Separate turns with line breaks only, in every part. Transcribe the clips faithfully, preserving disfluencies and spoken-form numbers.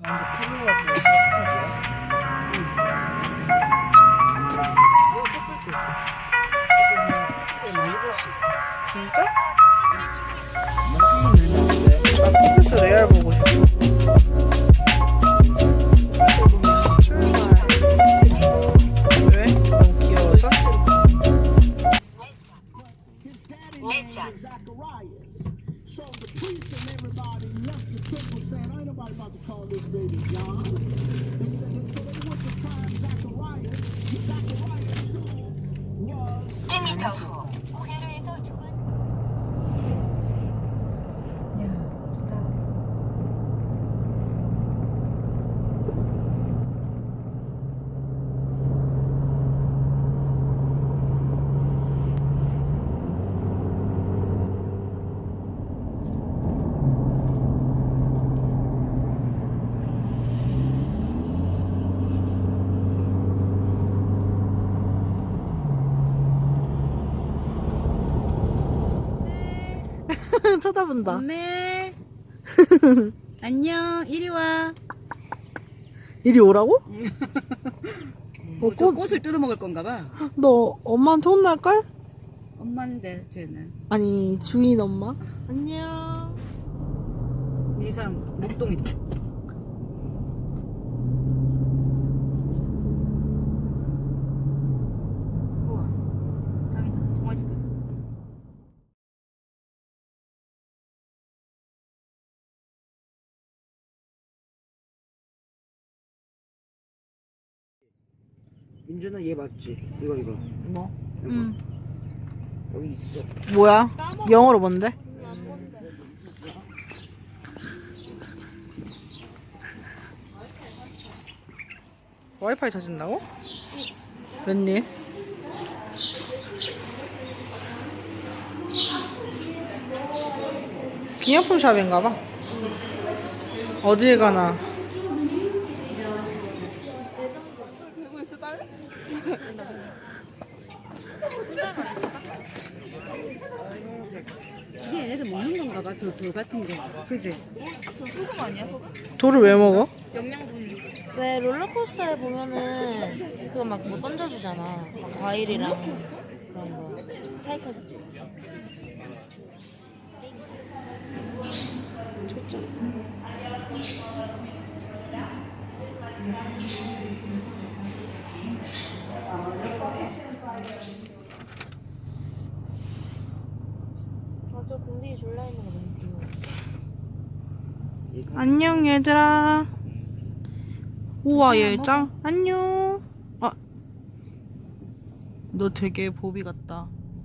피부가 좀
여기 꺾을 수 있다. 어떤 사람 많이 볼 수 있다.
진짜? 나 피부스 레알 보고 싶어. 왜? 너무 귀여워서?
내차. 백 미터 후 우회로에서 두 번. 야, 좋다.
쳐다본다.
엄매. 안녕. 이리 와.
이리 오라고?
뭐, 저 꽃을 뜯어 먹을 건가 봐.
너 엄마한테 혼날걸?
엄마인데 쟤는.
아니 주인 엄마. 안녕.
이 사람 목동이다. 우와. 짱이다. 송아지다.
민준아 얘 맞지? 이거 이거
뭐?
이거
응.
여기 있어.
뭐야? 영어로 뭔데? 와이파이 찾은다고? 웬일? 기념품 샵인가봐. 어딜 가나?
이게 얘네들 먹는 건가 봐. 돌, 돌 같은 게. 그지?
돌을 왜 먹어?
왜 롤러코스터에 보면은 그거 막 뭐 던져주잖아. 막 과일이랑 그런 거. 타이커. 아저 공기 줄라 있는 거 너무 귀여워.
안녕 얘들아. 우와 얘 짱. 안녕. 아, 너 되게 보비 같다.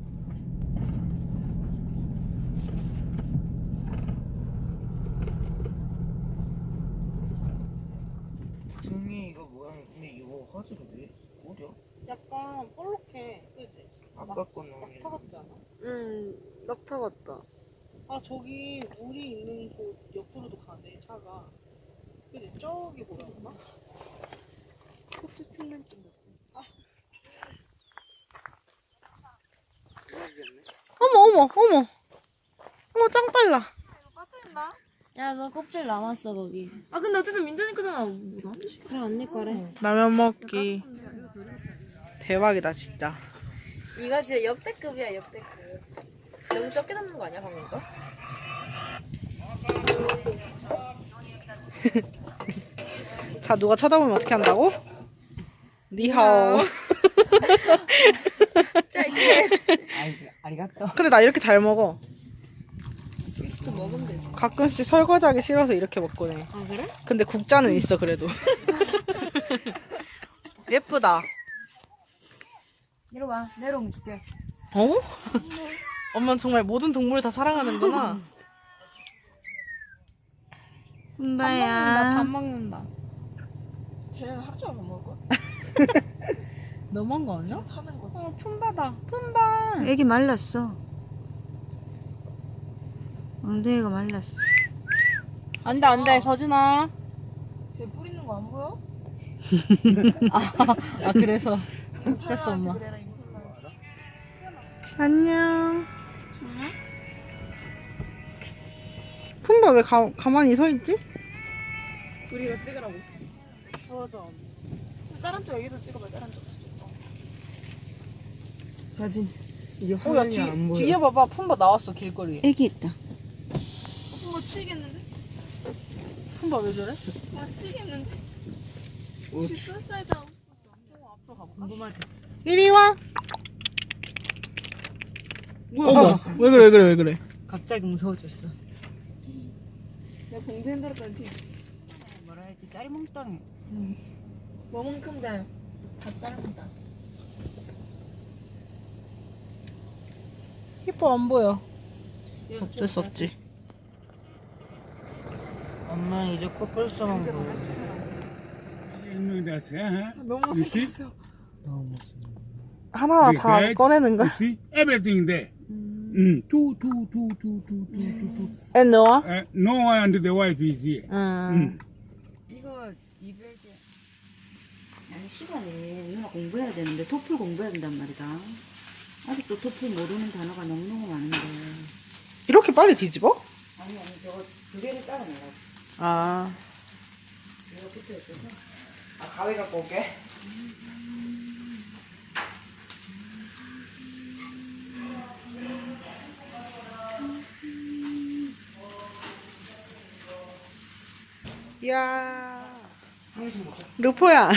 승리 이거 뭐야? 근데 이거 화질이 왜 어려?
약간 볼록해, 그지?
아까 거는
낙타 같지 않아?
응, 낙타 같다.
아 저기 우리 있는 곳 옆으로도 가네 차가. 그지? 저기 보였나?
속도 칠렌지 뭐.
어머 어머 어머 어머 짱 빨라.
야, 너 껍질 남았어, 거기.
아 근데 어쨌든 민준이 거잖아. 뭐 나한테 시켜.
그래, 언니 거래.
라면 먹기. 대박이다 진짜.
이거 진짜 역대급이야, 역대급. 너무 적게 담는 거 아니야, 방금 거?
자 누가 쳐다보면 어떻게 한다고? 니하오.
아이 아리가또.
근데 나 이렇게 잘 먹어.
좀 먹으면 되지.
가끔씩 설거지하기 싫어서 이렇게 먹곤 해.
아, 그래?
근데 국자는 있어 그래도. 예쁘다.
내려와. 내려오면 줄게.
어? 엄마는 정말 모든 동물을 다 사랑하는구나.
혼다야.
밥 먹는다.
쟤는 하루 종일 밥 먹을 거야?
너무한 거 아니야?
사는 거지.
어, 품바다. 품바.
애기 말랐어. 엉덩이가 말랐어.
안돼 안돼 서진아.
쟤 뿔 있는 거 안 보여?
아 그래서 됐어 엄마.
그래라 이거 흘러.
안녕. 품바 왜 가, 가만히 서 있지? 우리가 찍으라고. 맞아.
그래서 다른 쪽 여기서 찍어봐. 다른 쪽 저쪽. 어.
사진. 이게
어, 야,
화면이
뒤,
안 보여.
뒤에 봐봐. 품바 나왔어, 길거리에.
애기 있다.
어, 뭐 치겠는데?
품바 왜 저래?
아 치겠는데?
어,
혹시 수사이드 하고 싶었어?
앞으로 가볼까?
궁금하다.
이리 와. 어머, 왜 그래, 왜 그래, 왜 그래.
갑자기 무서워졌어.
내가 봉지 흔들었더니 뒤.
뭐라 해야지? 딸이 몽땅해.
뭐만큼 다. 다 따른다.
히포 안 보여. 어쩔 수 없지.
엄마 이제 코뿔소만 보여.
That's it, huh?
너무
You see?
못생겼어.
너무
하나하나
The
다
head,
꺼내는 거야?
You see? Everything there. Mm. Two, two, two, two, two, two, two, two.
앤 너와?
Uh, no one under the wife is here.
응.
이거 이백에 아니 시간에 누나 공부해야 되는데 토플 공부해야 된단 말이다. 아직도 토플 모르는 단어가 너무너무 많은데.
이렇게 빨리 뒤집어?
아니 아니 저거 두 개를 잘라내라고.
아.
이거 붙어 있어서.
아 가위 갖고 올게.
야. 루포야.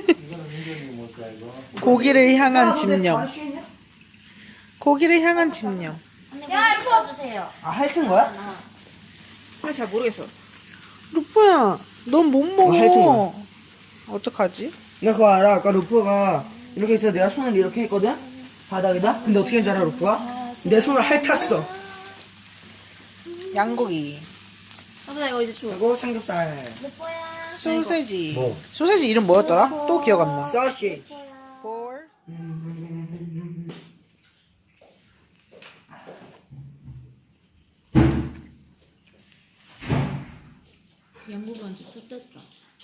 고기를 향한 집념. 고기를 향한 집념.
언니 야, 도와주세요.
아 핥은 거야?
아, 잘 모르겠어. 루포야, 넌 못
어, 핥은
먹어. 어떡하지?
나 그거 알아. 아까 루프가 이렇게 해서 내가 손을 이렇게 했거든? 바닥에다? 근데 어떻게 했는지 알아, 루프가? 내 손을 핥았어.
양고기.
누나 이거 이제 줘.
그리고 삼겹살.
루뽀야.
소세지.
뭐?
소세지 이름 뭐였더라? 또 기억 안 나.
소시지.
볼.
양고기 완전 술 떴다.